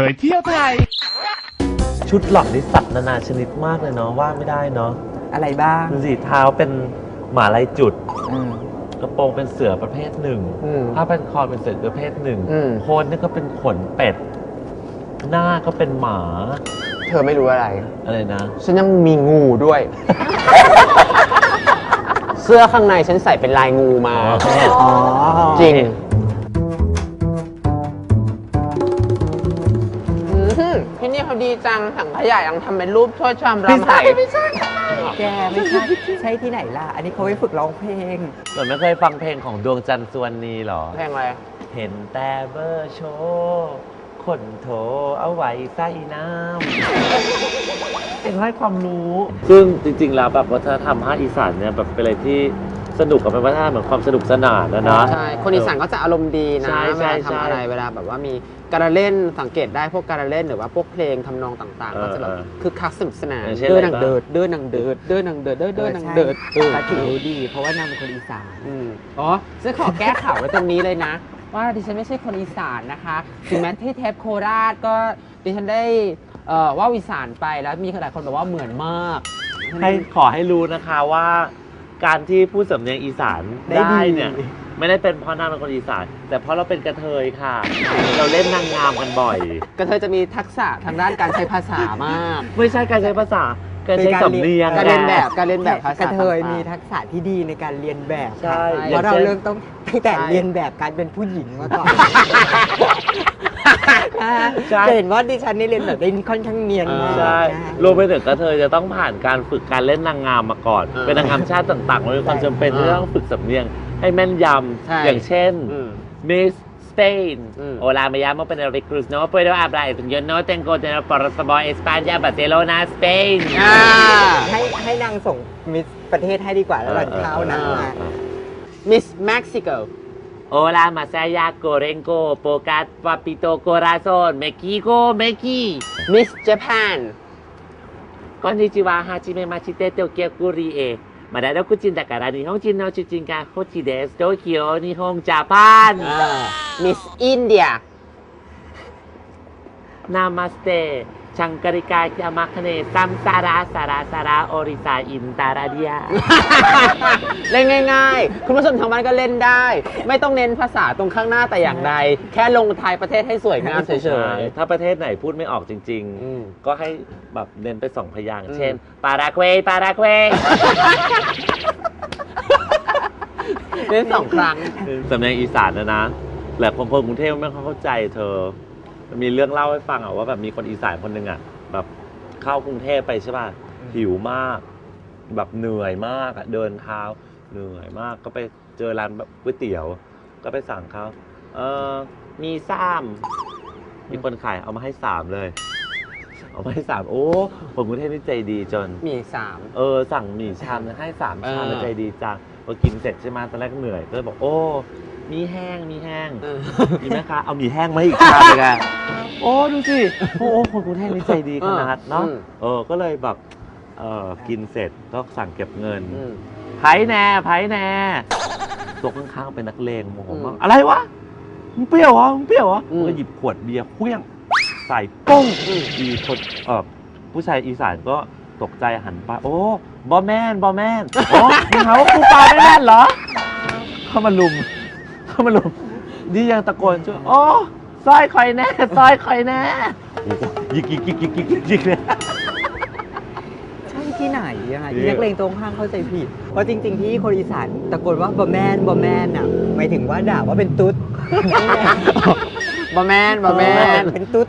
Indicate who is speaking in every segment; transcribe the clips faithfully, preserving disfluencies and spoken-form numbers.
Speaker 1: ยเที่ยวไทยชุดหล่อนนี่สัตว์นานาชนิดมากเลยเนาะว่าไม่ได้เนาะ
Speaker 2: อะไรบ้าง
Speaker 1: ดูสิเท้าเป็นหมาลายจุดกระโปรงเป็นเสือประเภทหนึ่งผ้าพันคอเป็นเสือประเภทหนึ่งโคนนี่ก็เป็นขนเป็ดหน้าก็เป็นหมา
Speaker 2: เธอไม่รู้อะไร
Speaker 1: อะไรนะ
Speaker 2: ฉันยังมีงูด้วย เสื้อข้างในฉันใส่เป็นลายงูมาจริงที่นี่เขาดีจังถังขยะยังทำเป็นรูปช่วยชามรำไห้ไม่ใช่แกไม่ใช่ใช่ที่ไหนล่ะอันนี้เขาไว้ฝึกร้องเพลง
Speaker 1: หล่อนไม่เคยฟังเพลงของดวงจันทร์สุวรรณีหรอ
Speaker 2: เพลงอะไร
Speaker 1: เห็นแต่เบอร์โชว์คนโถเอาไว้ใส่น้ำเป็นให้ความรู้ซึ่งจริงๆแล้วแบบวัฒนธรรมภาคอีสานเนี่ยแบบเป็นอะไรที่สนุกกับเป็นวัฒนธรรมเหมือนความสนุกสนานนะนะ
Speaker 2: ใช่คนอีสานก็จะอารมณ์ดีนะเวลาทำอะไรเวลาแบบว่ามีการเล่นสังเกตได้พวกการเล่นหรือว่าพวกเพลงทำนองต่างๆก็จะแบบคือคักสนุกสนานเดินนังเดิดเดินนังเดิดเดินนังเดิดเดินเดินนังเดิดเออถือดีเพราะว่านางเป็นคนอีสานอ๋อฉันขอแก้ข่าวไว้ตรงนี้เลยนะว่าดิฉันไม่ใช่คนอีสานนะคะถึงแม้ที่เทปโคราชก็ดิฉันได้ว่าอีสานไปแล้วมีหลายคนบอกว่าเหมือนมาก
Speaker 1: ให้ขอให้รู้นะคะว่าการที่พูดสำเนียงอีสานได้เนี่ยไม่ได้เป็นเพราะนางเป็นคนอีสานแต่เพราะเราเป็นกระเทยค่ะเราเล่นนางงามกันบ่อย
Speaker 2: กระเทยจะมีทักษะทางด้านการใช้ภาษามาก
Speaker 1: ไม่ใช่การใช้ภาษาการใช้สำเนียง
Speaker 2: การเรียนแบบการเรียนแบบภาษาก
Speaker 3: ระเทยมีทักษะที่ดีในการเรียนแบบ
Speaker 1: ใช่
Speaker 3: เพราะเราเริ่มต้องตั้งแต่เรียนแบบการเป็นผู้หญิงมาก่อนจะเห็นว่าดิฉันนี่เรียนแบบได้ค่อนข้างเนียนมาก
Speaker 1: ใช่รวมไปถึงกระเทยจะต้องผ่านการฝึกการเล่นนางงามมาก่อนเป็นนางงามชาติต่างๆมันมีความจำเป็นที่ต้องฝึกสำเนียงให้แม่นยำอย่างเช่น Miss Spain Hola me llamo Penelope Cruz no puedo hablar yo no tengo dinero para saber España Barcelona Spain
Speaker 3: ให้ให้นางส่งมิสประเทศให้ดีกว่าแล้วเราเข้านะ
Speaker 2: Miss Mexico
Speaker 1: Hola Masaya Corenco Pocat Papito Corazon Mexico Meki
Speaker 2: Miss Japan
Speaker 1: Konnichiwa Hajime Machite Tokyo Kurieมาได้แล้วคุณจินแต่การนิฮงจินเอาจินกาโคจิเดสโตเกียวนิฮงญี่ปุ่น
Speaker 2: Miss India
Speaker 1: นามาสเตชังการิกาจามาคเนซัมซาราสาราสาราโอริซาอินตาราเดีย
Speaker 2: เล่นง่ายๆคุณผู้ชมทางบ้านก็เล่นได้ไม่ต้องเน้นภาษาตรงข้างหน้าแต่อย่างใดแค่ลงท้ายประเทศให้สวยงามเฉย
Speaker 1: ๆถ้าประเทศไหนพูดไม่ออกจริงๆก็ให้แบบเน้นไปสองพยางค์เช่นปารากเวย์ปารากเวย์
Speaker 2: เน้นสองครั้ง
Speaker 1: สำเนียงอีสานนะนะแหละคนกรุงเทพไม่เข้าใจเธอมีเรื่องเล่าให้ฟังอ่ะว่าแบบมีคนอีสานคนหนึ่งอ่ะแบบเข้ากรุงเทพไปใช่ป่ะหิวมากแบบเหนื่อยมากอ่ะเดินเท้าเหนื่อยมากก็ไปเจอร้านแบบก๋วยเตี๋ยวก็ไปสั่งเขาเออมีซ้ำมีคนขายเอามาให้สามเลยเอามาให้สามโอ้คนกรุงเทพนี่ใจดีจน
Speaker 2: มีสาม
Speaker 1: เออสั่งหมี่ชามให้สามชามใจดีจังพอกินเสร็จใช่ไหมตอนแรกเหนื่อยก็เลยบอกโอ้มีแห้งมีแห้งมีไหมคะเอาหมี่แห้งมาอีกชามเลยค่ะโอ้ดูสิโอ้คนกรุงเทพนี่ใจดีขนาดเนาะเออก็เลยแบบเออกินเสร็จก็สั่งเก็บเงินไผ่แน่ไผ่แน่ตัวข้างๆเป็นนักเลงโมโหมากอะไรวะมึงเปรี้ยวเหรอมึงเปรี้ยวเหรอมึงก็หยิบขวดเบียร์เคลี้ยงใส่ป้งอีคนเออผู้ชายอีสานก็ตกใจหันไปโอ้บอแมนบอแมนโอ้มึงหาว่ากูปาไม่แม่นเหรอเข้ามาลุมเข้ามาลุมนี่ยังตะโกนช่วยโอ้ซอยคอยแน่ซอยคอยแน่ยิกยิกยิกยิกยิกยิกเลย
Speaker 3: ใช่ที่ไหนยังไงที่นักเลงตรงข้างเข้าใจผิดเพราะจริงๆที่คนอีสานตะโกนว่าบอแมนบอแมนอ่ะหมายถึงว่าด่าว่าเป็นตุ๊ด
Speaker 2: บอแมนบอแมน
Speaker 3: เป็นตุ๊ด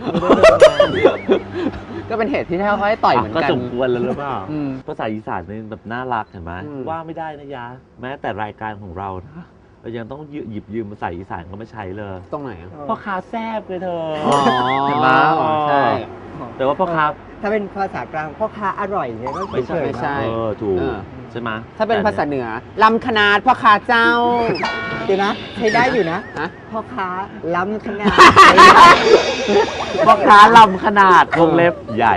Speaker 2: ก็เป็นเหตุที่ให้เขาให้ต่อยเหมือนกัน
Speaker 1: ก็สมควรแล้วหรือเปล่าภาษาอีสานนี่แบบน่ารักเห็นไหมว่าไม่ได้นะยะแม้แต่รายการของเรานะเรายังต้องหยิบยืมภาษาอีสานก็ไม่ใช้เลย
Speaker 2: ตรงไหน
Speaker 1: พ่อค้าแซ่บเลยเธอ
Speaker 2: เห็นไหมใช่
Speaker 1: แต่ว่าพ่อค้า
Speaker 3: ถ้าเป็นภาษากลางพ่อค้าอร่อยเนี่ยก็
Speaker 2: ไม่ใช่ไม่ใช่
Speaker 1: เออถูกใช่ไหม
Speaker 2: ถ้าเป็นภาษาเหนือลำขนาดพ่อค้าเจ้า
Speaker 3: เดี๋ยวนะใช้ได้อยู่นะพ่อค้าล้ำขนาด
Speaker 1: พ่อค้าลำขนาดวงเล็บใหญ่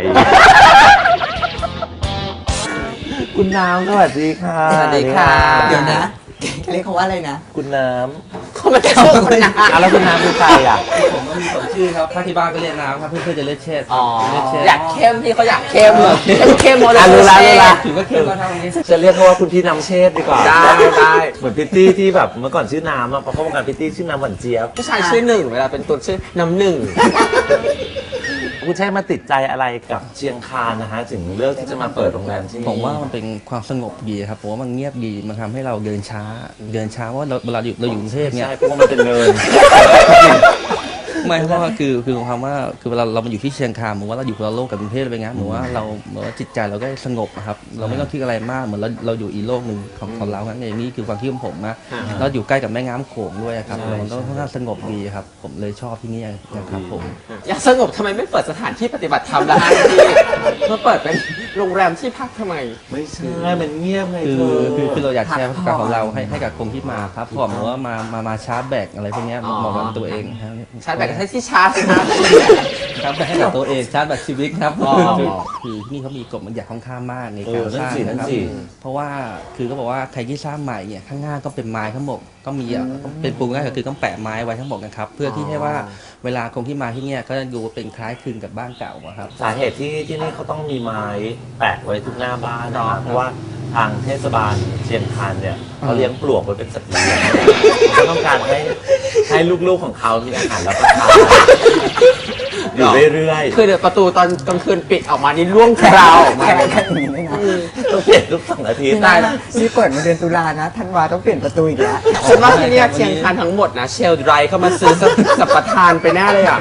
Speaker 1: คุณน้ำสวัสดีค่ะ
Speaker 3: สวัสดีค่ะเดี๋ยวนะเรียกเขาว่าอะไรนะ
Speaker 1: คุณน้
Speaker 3: ำข
Speaker 2: เขาไม่ได้ชื่อคุณน้
Speaker 1: อ่ะแล้วคุณน้ำคือใครอ่ะ
Speaker 4: ผมก็มีสองชื่อครับถ้าที่บ้านก็เรียกน้ำครับเพื่อนๆจะเรียกเชษ
Speaker 2: ำอ๋อ
Speaker 4: เรียกเชษ
Speaker 2: อยากเข้มพี่เขาอยากเข้มเหรอเข้มเข้มโมเดล
Speaker 1: อ่ะรู้ละรู้ละ
Speaker 4: ถือว่าเข้มมาทางนี้
Speaker 1: จะเรียกเขาว่าคุณพี่น้ำเชษดีกว่า
Speaker 2: ได้ได้
Speaker 1: เหมือนพิตตี้ที่แบบเมื่อก่อนชื่อน้ำอะเพราะเขาวงการพิตตี้ชื่อน้ำหวานเจี๊ยบ
Speaker 2: ผู้ชายชื่อหนึ่งเวลาเป็นตัวชื่อน้ำหนึ่ง
Speaker 1: คุณใช่มาติดใจอะไรกับเชียงคานนะฮะถึงเลือกที่จะมาเปิดโรงแรมที่นี่
Speaker 4: ผมว่ามันเป็นความสงบดีครับผมว่ามันเงียบดีมันทำให้เราเดินช้า เดินช้าเพราะว่าเราเวลาอยู่เราอยู่กรุงเทพเนี่ย
Speaker 1: ใช่เพราะว่ามันเป็นเนิน
Speaker 4: ไม่เพราะว่าคือคือความว่าคือเวลาเรามาอยู่ที่เชียงคานเหมือนว่าเราอยู่คนละโลกกับกรุงเทพเลยไงเหมือนว่าเราเหมือนว่าจิตใจเราก็สงบอะครับเราไม่ต้องคิดอะไรมากเหมือนเราเราอยู่อีกโลกหนึ่งของของเรางั้นเองนี่คือความคิดของผมนะเราอยู่ใกล้กับแม่น้ำโขงด้วยครับมันก็ค่อนข้างสงบดีครับผมเลยชอบที่นี่นะครับผม
Speaker 2: อยากสงบทำไมไม่เปิดสถานที่ปฏิบัติธรรมล่ะฮะพี่มาเปิดเป็นโรงแรมที่พักทำไม
Speaker 1: ไม่ใช่มันเงียบไง
Speaker 4: คื
Speaker 1: เธ
Speaker 4: อ
Speaker 1: อ
Speaker 4: คือคือเราอยากแชร์ประสบการณ์ของเราให้ให้กับคนที่มาครับผมว่ามามามาชาร์จแบตอะไรพวกเนี้ย
Speaker 2: อ๋อ
Speaker 4: เหมาะกับตัวเองครับ
Speaker 2: ชาร์จแบตก็ใช้ที่ชาร์จสิครับ
Speaker 4: ชาร์จแบตให้กับตัวเองชาร์จแบตชีวิตครับ
Speaker 2: อ๋อ
Speaker 4: คือคือที่นี่เขามีกฎบัญญัติค่อนข้างมากใน
Speaker 1: เอ
Speaker 4: การ
Speaker 1: อนั่
Speaker 4: ส
Speaker 1: น
Speaker 4: ร้าง
Speaker 1: สินั่
Speaker 4: นะ
Speaker 1: น
Speaker 4: ครับ
Speaker 1: สิ
Speaker 4: เพราะว่าคือเขาบอกว่าใครที่สร้างใหม่เนี่ยข้างหน้าก็เป็นไม้ทั้งหมดก็มีอ่ะเป็นปูนง่ายก็คือต้องแปะไม้ไว้ทั้งหมดนะครับเพื่อที่ให้ว่าเวลาคนที่มาที่เนี่ยก็จะดูเป็นคล้ายคลึงกับบ้านเก่าอะครับ
Speaker 1: สาเหตุที่ที่นี่เขาต้องมีไม้แปะไว้ทุกหน้าบ้านนะเพราะว่าทางเทศบาลเชียงคานเนี่ยเขาเลี้ยงปลวกไว้เป็นสัตว์เลี้ยงเขาต้องการให้ให้ลูกๆของเขามีอาหารรับประทานอยู่เรื่อยๆ
Speaker 2: คือเดี๋ยวประตูตอนกลางคืนปิดออกมานี่ร่วงคราวออกมา
Speaker 3: แค่แค่นี้ไม่นะ
Speaker 1: ต้องเปลี่ยนทุกสองอาทิตย์
Speaker 3: ได้นะนี่เปิดมาเดือนตุลานะธันวาต้องเปลี่ยนประตูอีกแล้ว
Speaker 2: ฉันว่าที่เนี่ยเชียงคานทั้งหมดนะเชลไดรเข้ามาซื้อสัปสัปทานไปแน่เลยอ่ะ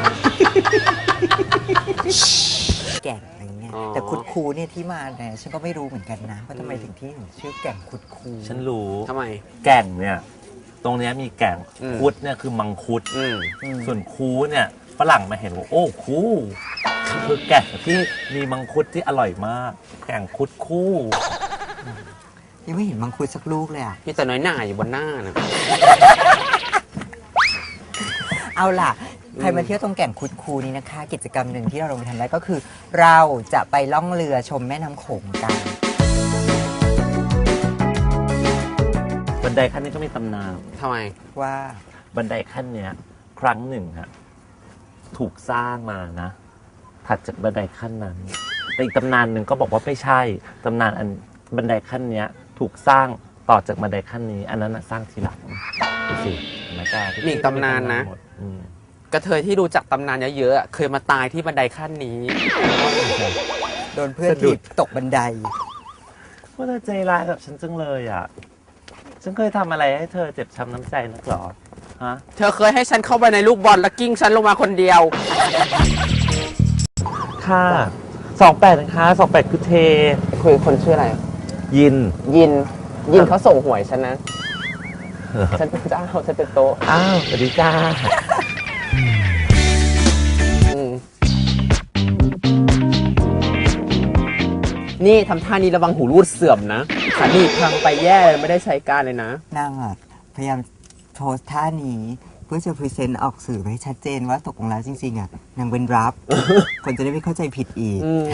Speaker 3: แก่งอะไรเงี้ย
Speaker 2: อ๋อ
Speaker 3: แต่คุดคูเนี่ยที่มาเนี่ยฉันก็ไม่รู้เหมือนกันนะว่าทำไมถึงที่ถึงชื่อแก่งคุดคู
Speaker 1: ฉันรู้
Speaker 2: ทำไม
Speaker 1: แก่งเนี่ยตรงเนี้ยมีแก่ง
Speaker 2: อืม
Speaker 1: คุดเนี่ยคือมังคุด
Speaker 2: อืม
Speaker 1: ส่วนคูเนี่ยฝรั่งมาเห็นว่าโอ้คูคือแก่งที่มีมังคุดที่อร่อยมาก แก่งคุดคู่
Speaker 3: ยังไม่เห็นมังคุดสักลูกเลยอ่ะ
Speaker 2: มีแต่น้อยหน่าอยู่บนหน้านะ
Speaker 3: เอาล่ะ ใครมาเที่ยวตรงแก่งคุดคูนี้นะคะ กิจกรรมหนึ่งที่เราลงไปทำได้ก็คือ เราจะไปล่องเรือชมแม่น้ำโขงกัน
Speaker 1: บันไดขั้นนี้ก็มีตำนาน
Speaker 2: ทำไม
Speaker 3: ว่า
Speaker 1: บันไดขั้นเนี้ยครั้งหนึ่งฮะถูกสร้างมานะ ถัดจากบันไดขั้นนั้นแต่อีกตำนานหนึ่งก็บอกว่าไม่ใช่ตำนานอันบันไดขั้นเนี้ยถูกสร้างต่อจากบันไดขั้นนี้ อันนั้นนะสร้างทีหลังดูสิเห็นไหมกล้า
Speaker 2: มีอีกตำนานนะ
Speaker 1: หมดอืม
Speaker 2: กระเทยที่รู้จักตำนานเยอะๆอะเคยมาตายที่บันไดขั้นนี้
Speaker 3: โดนเพื่อนถีบตกบันได
Speaker 1: ว่าเธอใจร้ายกับฉันจังเลยอ่ะ ฉันเคยทำอะไรให้เธอเจ็บช้ำน้ำใจนักหรอ ฮะ
Speaker 2: เธอเคยให้ฉันเข้าไปในลูกบอลแล้วกิ้งฉันลงมาคนเดียว
Speaker 1: ค่ะสองแปดนะคะสองแปดคือเท
Speaker 2: คุยคนชื่ออะไร
Speaker 1: ยิน
Speaker 2: ยิน ยินเขาส่งหวยฉันนะ ฉันเป็นเจ้าฉันเป็นโต๊ะ
Speaker 1: อ้าวสวัสดีจ้า
Speaker 2: อืมนี่ทำท่านี้ระวังหูรูดเสื่อมนะขาหนีบพังไปแย่เลยไม่ได้ใช้การเลยนะ
Speaker 3: นางอ่ะพยายามโพสท่านี้เพื่อจะพรีเซนต์ออกสื่อให้ชัดเจนว่าตกลงแล้วจริงๆอ่ะนางเป็นรับ คนจะได้ไม่เข้าใจผิดอีก
Speaker 2: อืม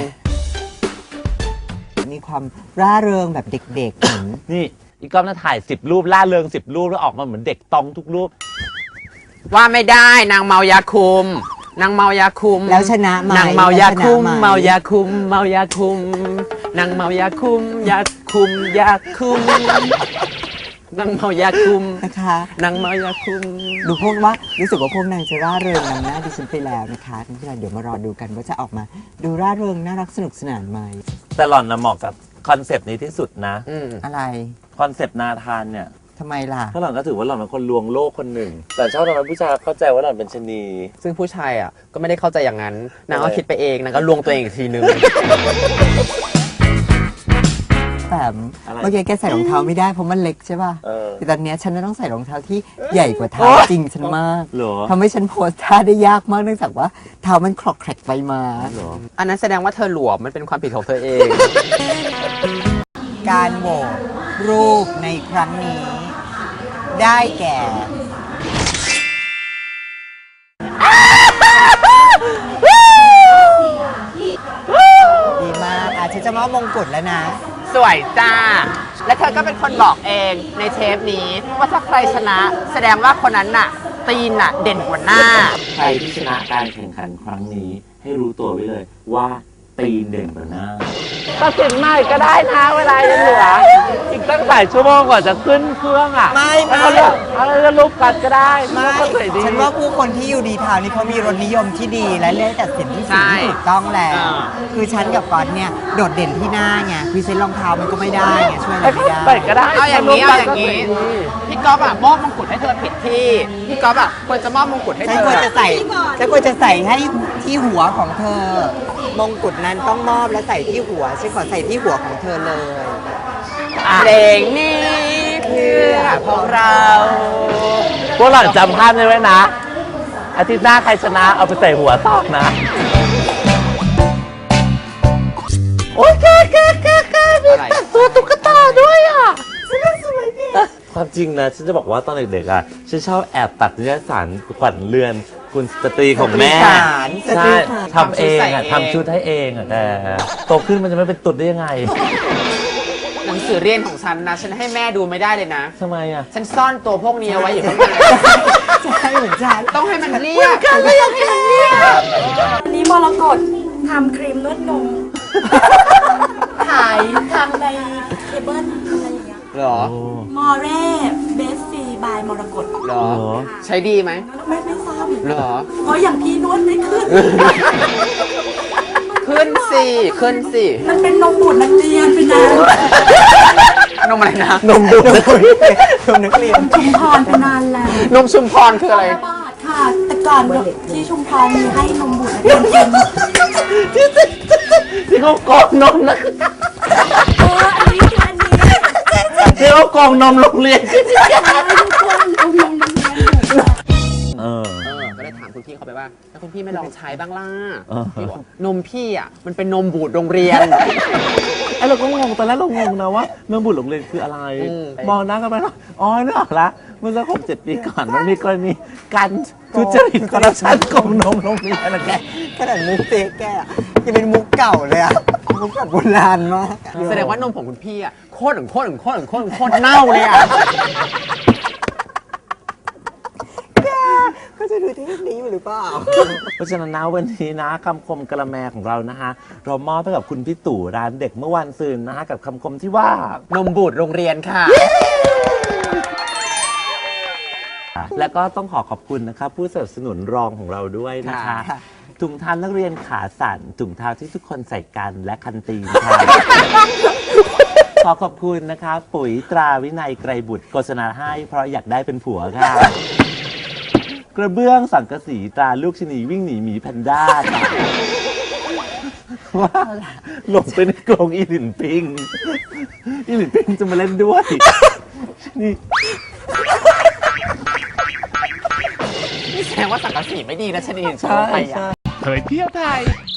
Speaker 3: มีความร่าเริงแบบเด็กๆเหมือน
Speaker 1: นี่อีกก้อมน่าถ่ายสิบรูปล่าเริงสิบรูปแล้วออกมาเหมือนเด็กตองทุกรูป
Speaker 2: ว่าไม่ได้นางเมายาคุม นางเมายาคุม
Speaker 3: แล้วชนะไหม
Speaker 2: นางเมายาคุม
Speaker 3: แล้วชนะไห
Speaker 2: เมายาคุม เมายาคุม นางเมายาคุม ยาคุม ยาคุม นางเมายาคุม
Speaker 3: นะคะ
Speaker 2: นางเมายาคุม
Speaker 3: ดูพวกว่ารู้สึกว่าพวกนางจะร่าเริงนำหน้าดิฉันไปแล้วนะคะที่เราเดี๋ยวมารอดูกันว่าจะออกมา ดูร่าเริงน่ารักสนุกสนานไหม
Speaker 1: แต่หล่อนนะเหมาะกับคอนเซปต์นี้ที่สุดนะ
Speaker 2: อืม
Speaker 3: อะไร
Speaker 1: คอนเซปต์นาธานเนี่ย
Speaker 3: ทำไมล่ะ
Speaker 1: เพราะหล่อนก็ถือว่าหล่อนเป็นคนลวงโลกคนหนึ่ง แต่ชอบทำให้ผู้ชายเข้าใจว่าหล่อนเป็นชะนี
Speaker 2: ซึ่งผู้ชายอ่ะก็ไม่ได้เข้าใจอย่างนั้น นางก็คิดไปเอง นางก็ลวงตัวเองอีกทีนึง
Speaker 3: แต่
Speaker 1: อะไร
Speaker 3: เมื่อกี้แกใส่รองเท้าไม่ได้เพราะมันเล็กใช่ป่ะ
Speaker 1: เออ
Speaker 3: แต่ตอนเนี้ยฉันจะต้องใส่รองเท้าที่ใหญ่กว่าเท้าจริงฉันมาก
Speaker 1: เหรอ
Speaker 3: ทำให้ฉันโพสท่าได้ยากมากเนื่องจากว่าเท้ามันคลอกแคลกไปมา
Speaker 1: เหรอ
Speaker 2: อันนั้นแสดงว่าเธอหลวมมันเป็นความผิดของเธอเอง
Speaker 3: การโหวตรูปในครั้งนี้ ได้แก่ ดีมากอาจจะจะมอบมงกุฎแล้วนะ
Speaker 2: สวยจ้าและเธอก็เป็นคนบอกเองในเทปนี้ว่าถ้าใครชนะแสดงว่าคนนั้นน่ะตีนน่ะเด่นกว่าหน้า
Speaker 1: ใครที่ชนะการแข่งขันครั้งนี้ให้รู้ตัวไว้เลยว่าตีนเด่นกว่าหน้าตัดสินใหม่ก็ได้นะเวลายังเหลืออีกตั้งหลายชั่วโมงกว่าจะขึ้นเครื่องอ่ะ
Speaker 3: ไม่ไม่
Speaker 1: แล้วก็เลือกเอาเลือกรูปกันก็ได้
Speaker 3: ไม่
Speaker 1: รูปก็สวยดี
Speaker 3: ฉันว่าผู้คนที่อยู่ดีทาวน์นี่เขามีรสนิยมที่ดีและเลือกตัดสินที่
Speaker 2: ใช่
Speaker 3: สิ่งที่ถูกต้องแล้ว
Speaker 2: อ่า
Speaker 3: คือฉันกับก๊อตเนี่ยโดดเด่นที่หน้าไงพรีเซนต์รองเท้ามันก็ไม่ได้ไงช่วยอะไรไม่ได้
Speaker 1: ใส่ก็ได้
Speaker 2: เอาอย่างนี้เอาอย่างนี้
Speaker 1: รูปกันก็สวยดี
Speaker 2: พี่ก๊อฟอะมอบมงกุฎให้เธอผิดที่พี่ก๊อฟอะควรจะมอบมงกุฎให้
Speaker 3: ฉัน
Speaker 2: เธ
Speaker 3: ควร
Speaker 2: อ
Speaker 3: จะใส่ฉันควรจะใส่ให้ที่หัวของเธอ มงกุฎนั้นต้องมอบและใส่ที่หัวฉันขอใส่ที่หัวของเธอเลย
Speaker 2: เพลงนี้เพื่อพวกเรา
Speaker 1: พวกหล่อนจำภาพได้ไว้นะ อาทิตย์หน้าใครชนะเอาไปใส่หัวตอกนะ โอ๊ยแกแกแกแกมี
Speaker 2: อะไร
Speaker 1: แต่ตัวตุ๊กตาด้วยอ่ะความจริงนะ ฉันจะบอกว่าตอนเด็กๆอ่ะ ฉันชอบแอบตัดนิตยสารขวัญเรือนคุณสตรีของแม่
Speaker 3: สตรีสารสตรี
Speaker 1: ใช่
Speaker 3: สาร
Speaker 1: ทำเองอ่ะทำชุดให้เองอ่ะแต่โตขึ้นมันจะไม่เป็นตุ๊ดได้ยังไง
Speaker 2: หนังสือเรียนของฉันนะ ฉันให้แม่ดูไม่ได้เลยนะ
Speaker 1: ทำไมอ่ะ
Speaker 2: ฉันซ่อนตัวพวกนี้เอาไว้อยู่ข้างใน
Speaker 3: ใช่เหมือนฉัน
Speaker 2: ต้องให้มันเรียบ
Speaker 3: กันก็ยังเห็นเนี่ย
Speaker 5: อันนี้มรกตทำครีมนวดนม ขายทางในเคเบิลอะไรอย่างเงี้ย
Speaker 2: เหรอ
Speaker 5: มอเร่เบสซีบายมรกต
Speaker 2: เหรอ
Speaker 1: เหรอ
Speaker 2: ใช้ดีไหม
Speaker 5: ไม่ไม่ทราบ
Speaker 2: เหรอ
Speaker 5: เพราะอย่างพี่นวดไม่ขึ้น
Speaker 2: ขึ้นสิขึ้นสิ
Speaker 5: มันเป็นนมบูดนักเรียนเป็นนาน
Speaker 2: นมอะไรนะ
Speaker 1: นมดุ
Speaker 3: นมนักเรียน
Speaker 5: ชุมพรเป็นนานแล้ว
Speaker 2: นมชุมพรคืออะไร
Speaker 5: บาทค่ะ แต่ก่อนที่ชุมพรมีให้นมบูดนักเรียนกิน
Speaker 1: ที่เขากรอกนมนะ
Speaker 5: เอออันนี้คืออันนี้
Speaker 1: ที่เขากรอกนมโรงเรียน
Speaker 5: ทุกคนเอานมนักเรียนอยู่
Speaker 1: เออ
Speaker 2: เออ ก็เลยถามคุณพี่เขาไปว่า แล้วคุณพี่ไม่ลองใช้บ้างล่ะ
Speaker 1: เออ
Speaker 2: พี่บอกนมพี่อ่ะ มันเป็นนมบูดโรงเรียน
Speaker 1: ไอ้เราก็งงตอนแรกเรางงนะว่าเมืองบุตรโรงเรียนคืออะไร
Speaker 2: อืม
Speaker 1: มองหน้ากันไปแล้วอ๋อนึกออกละเมื่อสักหกเจ็ดปีก่อนมันมีกรณีการทุจริตคอร์รัปชันกองนมโรงเรียนนะแก
Speaker 3: ขนาดมุกเจ๊แกอะยังเป็นมุกเก่าเลยอะมุกแบบโบราณมาก
Speaker 2: แสดงว่านมของคุณพี่อ่ะโคตรถึงโคตรถึงโคตรถึงโคตรถึงโคตรเน่าเลยอ่ะ
Speaker 3: ก็จะดูที่นี้อยู่หรือเปล่า
Speaker 1: เพราะฉะนั้นนะวันนี้นะคำคมกระแมของเรานะฮะเรามอบให้กับคุณพี่ตู่ร้านเด็กเมื่อวันซืนนะฮะกับคำคมที่ว่า
Speaker 2: นมบูดโรงเรียนค่ะ
Speaker 1: และก็ต้องขอขอบคุณนะครับผู้สนับสนุนรองของเราด้วยนะคะ
Speaker 3: ค่ะ
Speaker 1: ถุงเท้านักเรียนขาสั่นถุงเท้าที่ทุกคนใส่กันและคันตีนค่ะ ขอขอบคุณนะคะปุ๋ยตราวินัยไกรบุตรโฆษณาให้เพราะอยากได้เป็นผัวค่ะ กระเบื้องสังกะสีตราลูกชนีวิ่งหนีหมีแพนด้าค่ะว่าหลงไปในกรงอีหลินปิงอีหลินปิงจะมาเล่นด้วยนี่
Speaker 2: นี่แสดงว่าสังกะสีไม่ดีนะชนิดชอบไปอ่ะ
Speaker 1: เผยเที่ยวไทย